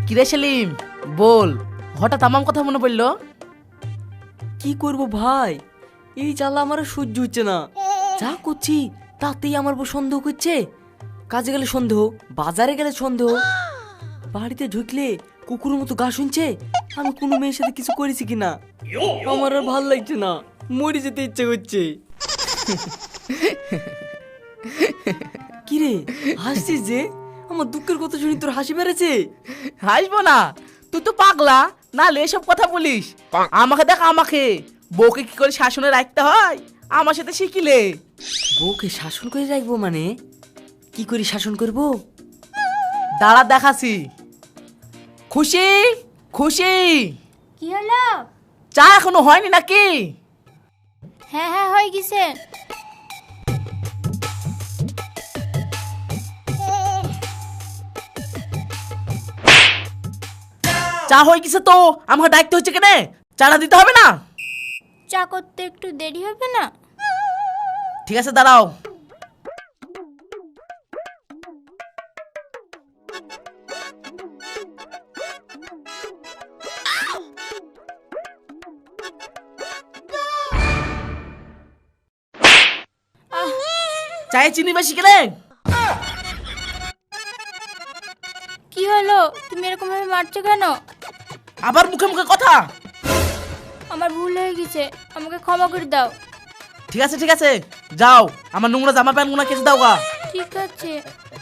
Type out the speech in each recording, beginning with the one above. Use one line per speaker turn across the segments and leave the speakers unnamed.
কিরে সেলিম, বল, হঠাৎ আমার কথা মনে পড়লো?
কি করব ভাই, এই জ্বালা আমার আর সহ্য হচ্ছে না। যা করছি তাতেই আমার বউ সন্দেহ করছে। কাজে গেলে সন্দেহ, বাজারে গেলে সন্দেহ, বাড়িতে ঢুকলে কুকুরের মতো গা শুনছে আমি কোনো মেয়ের সাথে কিছু করেছি কিনা। আমার আর ভাল লাগছে না, মরে যেতে ইচ্ছে করছে। কিরে হাসছিস যে? আমার দুঃখের কথা শুনি তোর হাসি বেড়েছে।
হাসবো না, তুই তো পাগলা, না এসব কথা বলিস। আমাকে দেখ, আমাকে বউকে কি করে শাসনে রাখতে হয় আমার সাথে শিখিলে।
বউকে শাসন করে রাখবো মানে? কি করে শাসন করবো?
দাঁড়া দেখাছি। খুশি, খুশি,
কি হলো?
চা এখনো হয়নি নাকি?
হ্যাঁ হ্যাঁ হয়ে গেছে।
চা হয়ে গেছে তো আমাকে ডাকতে হচ্ছে কেন? চাটা দিতে হবে না?
চা করতে একটু দেরি হবে না?
ঠিক আছে দাঁড়াও। চায়ে চিনি বেশি কেন?
কি হলো, তুমি এরকম ভাবে মারছো কেন?
আবার মুখে মুখে কথা।
আমার ভুল হয়ে গেছে, আমাকে ক্ষমা করে দাও।
ঠিক আছে ঠিক আছে, যাও আমার নোংরা জামা প্যান্ট গুনা কেচে দাও গা।
ঠিক আছে।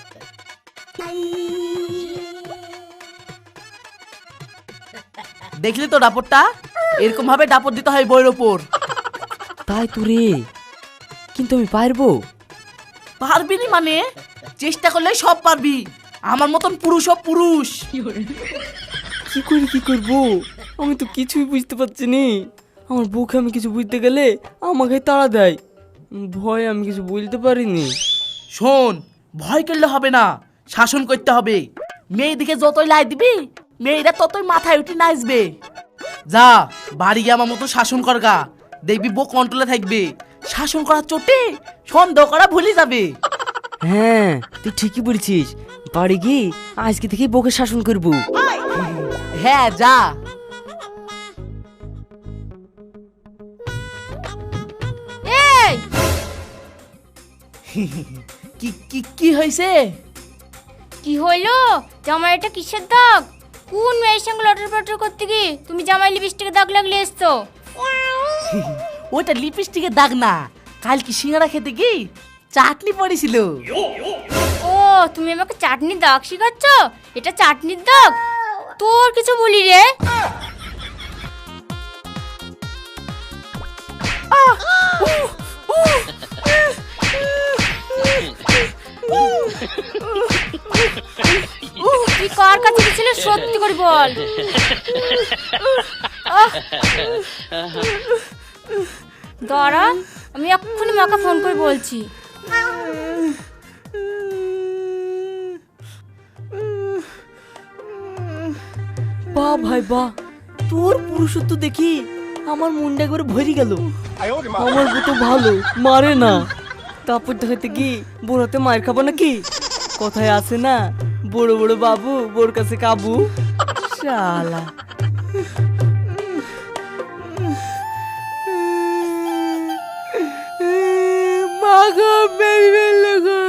দেখলি তো ডাপটটা, এরকম ভাবে ডাপট দিতে হয় বইয়ের ওপর।
তাই তো রে, কিন্তু আমি পারবো?
পারবি নি মানে? চেষ্টা করলে সব পারবি। আমার মতন পুরুষ ও পুরুষ।
কি করে কি করবো, আমি তো কিছুই বুঝতে পারছি নি। আমার বউকে আমি কিছু বুঝতে গেলে আমাকে তাড়া দেয়, ভয় আমি কিছু বলতে পারিনি।
শোন, ভয় করলে হবে না, শাসন করতে হবে। মেয়েদিকে যতই লাই দিবি মেয়েরা ততই মাথায় উঠে নাচবে। যা বাড়ি গিয়ে আমার মতো শাসন করগা, দেখবি বউ কন্ট্রোলে থাকবে। শাসন করার চোটে সন্দেহ করা ভুলে যাবে।
হ্যাঁ তুই ঠিকই বলছিস, বাড়ি গিয়ে আজকে থেকে বউকে শাসন করবো।
হ্যাঁ যা।
এই
কি কি কি হয়েছে?
কি হলো? জামাই এটা কিসের দাগ? কোন মেয়ের সঙ্গে লটর পটর করতে গিয়ে তুমি জামাই লিপস্টিকের দাগ লাগলে এসছো?
ওটা লিপস্টিকের দাগ না, কাল কি সিঙ্গারা খেতে কি চাটনি পড়েছিল।
ও তুমি আমাকে চাটনির দাগ শিখাচ্ছ? এটা চাটনির দাগ? তোর কিছু বলি রে। তুই কার কাছে গেছিলে সত্যি করে বল। দাঁড়া, আমি এক্ষুনি মাকে ফোন করে বলছি।
বাহ ভাই বাহ, তোর পুরুষত্ব দেখি আমার মনটা একবারে ভরে গেল। আমার বউ তো ভালো, মারে না। তারপর দেখাতে কি বোর হাতে মায়ের খাবো নাকি? কথায় আছে না, বড় বড় বাবু বোর কাছে কাবু। শালা মা গো, বেবি বেলো গো।